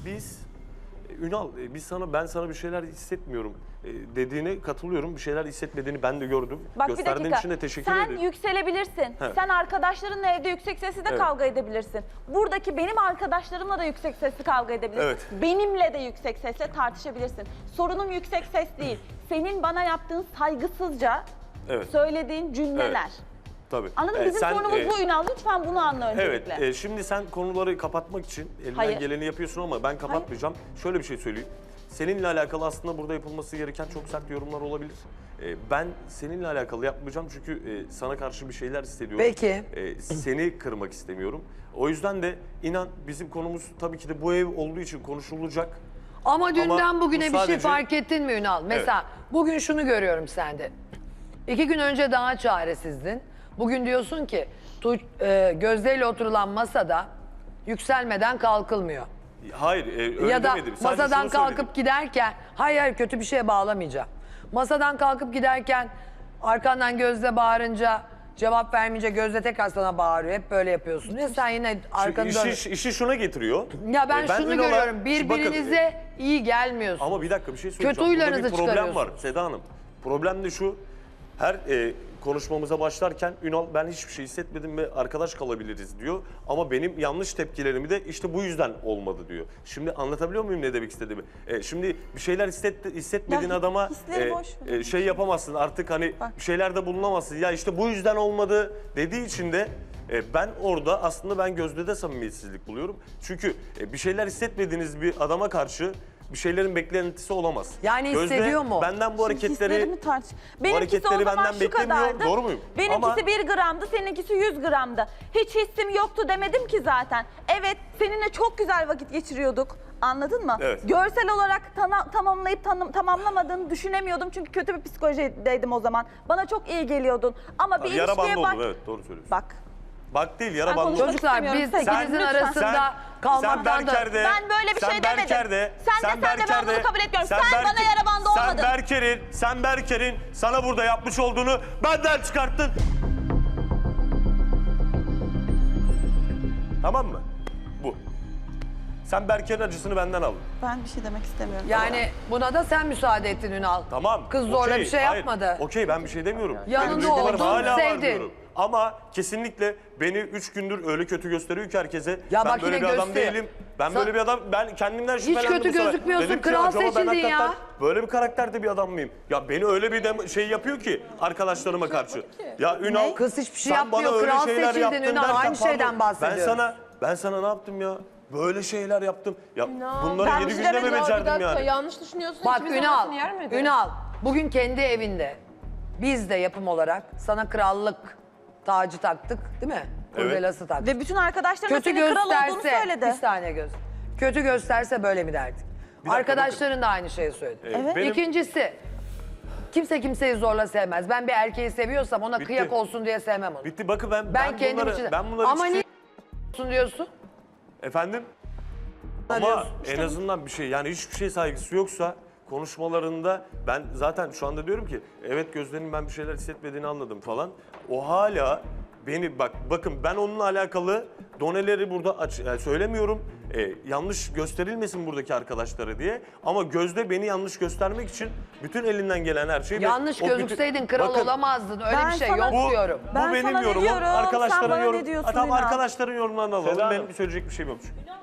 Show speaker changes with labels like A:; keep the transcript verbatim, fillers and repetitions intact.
A: biz Ünal, biz sana ben sana bir şeyler hissetmiyorum dediğine katılıyorum. Bir şeyler hissetmediğini ben de gördüm.
B: Bak bir
A: Gösterdiğin
B: dakika.
A: için de teşekkür
B: Sen
A: ederim.
B: yükselebilirsin.
A: Evet.
B: Sen arkadaşlarınla evde yüksek sesle de
A: Evet.
B: kavga edebilirsin. Buradaki benim arkadaşlarımla da yüksek sesli kavga edebilirsin.
A: Evet.
B: Benimle de yüksek sesle tartışabilirsin. Sorunum yüksek ses değil. Senin bana yaptığın saygısızca
A: Evet.
B: söylediğin cümleler.
A: Evet. Tabii.
B: Anladın mı?
A: Ee,
B: Bizim
A: sen,
B: sorunumuz
A: e,
B: bu Ünal. Lütfen bunu anla öncelikle.
A: Evet, e, şimdi sen konuları kapatmak için elinden
B: Hayır.
A: geleni yapıyorsun ama ben kapatmayacağım. Şöyle bir şey söyleyeyim. Seninle alakalı aslında burada yapılması gereken çok sert yorumlar olabilir. E, ben seninle alakalı yapmayacağım çünkü e, sana karşı bir şeyler hissediyorum.
C: Peki.
A: E, seni kırmak istemiyorum. O yüzden de inan bizim konumuz tabii ki de bu ev olduğu için konuşulacak.
C: Ama dünden
A: bu
C: bugüne bir şey
A: sadece-
C: fark ettin mi Ünal? Mesela bugün şunu görüyorum sende. İki gün önce daha çaresizdin. Bugün diyorsun ki tu, e, Gözde ile oturulan masada yükselmeden kalkılmıyor.
A: Hayır, e, öyle
C: ya da
A: demedim. Sadece
C: masadan
A: şunu
C: kalkıp
A: söyledim.
C: giderken, hayır hayır kötü bir şeye bağlamayacağım. Masadan kalkıp giderken arkandan Gözde bağırınca cevap vermeyince Gözde tekrar sana bağırıyor. Hep böyle yapıyorsun. Ya sen yine arkanı
A: Çünkü
C: dön.
A: işi, işi şuna getiriyor.
C: Ya ben
A: E,
C: şunu
A: Ünal'a-
C: görüyorum.
A: Bakın,
C: Birbirinize iyi gelmiyorsunuz.
A: ama bir dakika bir şey söyleyeceğim.
C: Kötü huylarınızı
A: Burada bir problem var
C: çıkarıyorsunuz.
A: Seda Hanım. Problem de şu. Her e, konuşmamıza başlarken Ünal ben hiçbir şey hissetmedim ve arkadaş kalabiliriz diyor. Ama benim yanlış tepkilerimi de işte bu yüzden olmadı diyor. Şimdi anlatabiliyor muyum ne demek istediğimi? E, şimdi bir şeyler hisset, hissetmediğin
B: Ya,
A: adama
B: hisleri
A: e,
B: boş ver.
A: e, şey yapamazsın artık hani
B: Bak.
A: bir şeylerde bulunamazsın. Ya işte bu yüzden olmadı dediği için de e, ben orada aslında ben Gözde'de samimiyetsizlik buluyorum. Çünkü e, bir şeyler hissetmediğiniz bir adama karşı bir şeylerin beklentisi olamaz.
C: Yani hissediyor mu?
A: Benden bu hareketleri
B: Hislerimi tartış. Benimkisi
A: hareketleri
B: o zaman
A: benden
B: şu
A: beklemiyor.
B: kadardı.
A: Doğru muyum?
B: Benimkisi
A: Ama-
B: bir gramdı, seninkisi yüz gramdı. Hiç hissim yoktu demedim ki zaten. Evet, seninle çok güzel vakit geçiriyorduk. Anladın mı?
A: Evet.
B: Görsel olarak tana- tamamlayıp tanım- tamamlamadığını düşünemiyordum. Çünkü kötü bir psikolojideydim o zaman. Bana çok iyi geliyordun. Ama bir
A: yara
B: ilişkiye
A: bandı
B: bak.
A: oldu, evet doğru söylüyorsun.
B: Bak.
A: Bak değil yara
B: Ben
A: bandı oldu.
B: konuşmak
C: Çocuklar biz
B: istemiyorum. Sen-
C: ikinizin
B: lütfen.
C: arasında
A: sen
C: kalmaktan da...
A: Berker'de,
B: Ben böyle bir
A: sen
B: şey demedim.
A: Berker'de,
B: Sen de sen de ben bunu kabul etmiyorum. Sen bana
A: Berker-
B: yara bandı
A: Sen
B: olmadın.
A: Berker'in, sen Berker'in sana burada yapmış olduğunu benden çıkarttın. Tamam mı? Bu. Sen Berker'in acısını benden aldın.
B: Ben bir şey demek istemiyorum.
C: Yani buna da sen müsaade ettin Ünal.
A: Tamam.
C: Kız zorla
A: okey,
C: bir şey
A: hayır,
C: yapmadı.
A: Okey ben bir şey demiyorum.
C: Yanında
A: Benim duygularım
C: oldun,
A: hala var
C: sevdin.
A: diyorum. Ama kesinlikle beni üç gündür öyle kötü gösteriyor ki herkese.
C: Ya
A: ben
C: bak
A: böyle
C: yine
A: bir adam
C: gösteriyor.
A: değilim. Ben
C: Sa-
A: böyle bir adam, ben kendimden şüphelendim
C: kötü
A: bu sefer.
C: gözükmüyorsun,
A: Dedim ki,
C: kral
A: acaba ben
C: seçildin
A: hakikaten
C: ya.
A: Böyle bir karakterde bir adam mıyım? Ya beni öyle bir de şey yapıyor ki arkadaşlarıma karşı. Ya Ünal
C: Kız hiçbir şey
A: sen bana
C: yapmıyor,
A: öyle
C: kral
A: şeyler
C: seçildin
A: yaptın
C: Ünal,
A: derken,
C: aynı şeyden
A: pardon,
C: bahsediyoruz.
A: Ben sana, ben sana ne yaptım ya? Böyle şeyler yaptım. Ya bunları
B: ben
A: yedi
B: bir şey
A: günde mi
B: demedim.
D: Ya bir
A: becerdim
D: dakika,
A: yani?
D: yanlış düşünüyorsun.
C: Bak
D: İkimizin
C: Ünal,
D: arasını yer mi?
C: Ünal bugün kendi evinde biz de yapım olarak sana krallık tacı taktık değil mi?
A: Evet.
C: Kurdelası taktık.
B: Ve bütün arkadaşlarım da
C: Kötü
B: senin kral olduğunu
C: gösterse,
B: söyledi.
C: bir saniye göz. Kötü gösterse böyle mi derdik?
A: dakika,
C: Arkadaşların da aynı şeyi söyledi.
A: Evet. Benim-
C: İkincisi, kimse kimseyi zorla sevmez. Ben bir erkeği seviyorsam ona
A: Bitti.
C: kıyak olsun diye sevmem onu.
A: Bitti bakın ben,
C: Ben,
A: ben
C: kendim
A: bunları,
C: için.
A: ben bunları
C: Ama
A: hiçbir
C: niye
A: şey-
C: olsun diyorsun?
A: Efendim? Ama
C: diyorsun.
A: en azından bir şey yani hiçbir şey saygısı yoksa konuşmalarında ben zaten şu anda diyorum ki evet Gözde'nin ben bir şeyler hissetmediğini anladım falan. O hala beni bak bakın ben onunla alakalı doneleri burada aç, yani söylemiyorum. Ee, yanlış gösterilmesin buradaki arkadaşlara diye. Ama Gözde beni yanlış göstermek için bütün elinden gelen her şeyi...
C: Yanlış
A: o bütün-
C: gözükseydin kral
A: Bakın,
C: olamazdın. Öyle
B: Ben
C: bir şey
B: sana-
C: yok
A: Bu,
C: diyorum.
A: bu
B: Ben
A: benim
B: sana ne
A: yorumum.
B: diyorum, sen
A: Arkadaşların
B: bana ne
A: yorum.
B: diyorsun
A: Ha, tamam
B: Ünal?
A: arkadaşların yorumlarını alalım.
E: Seda
A: Benim
E: Hanım.
A: söyleyecek bir şeyim yok çünkü.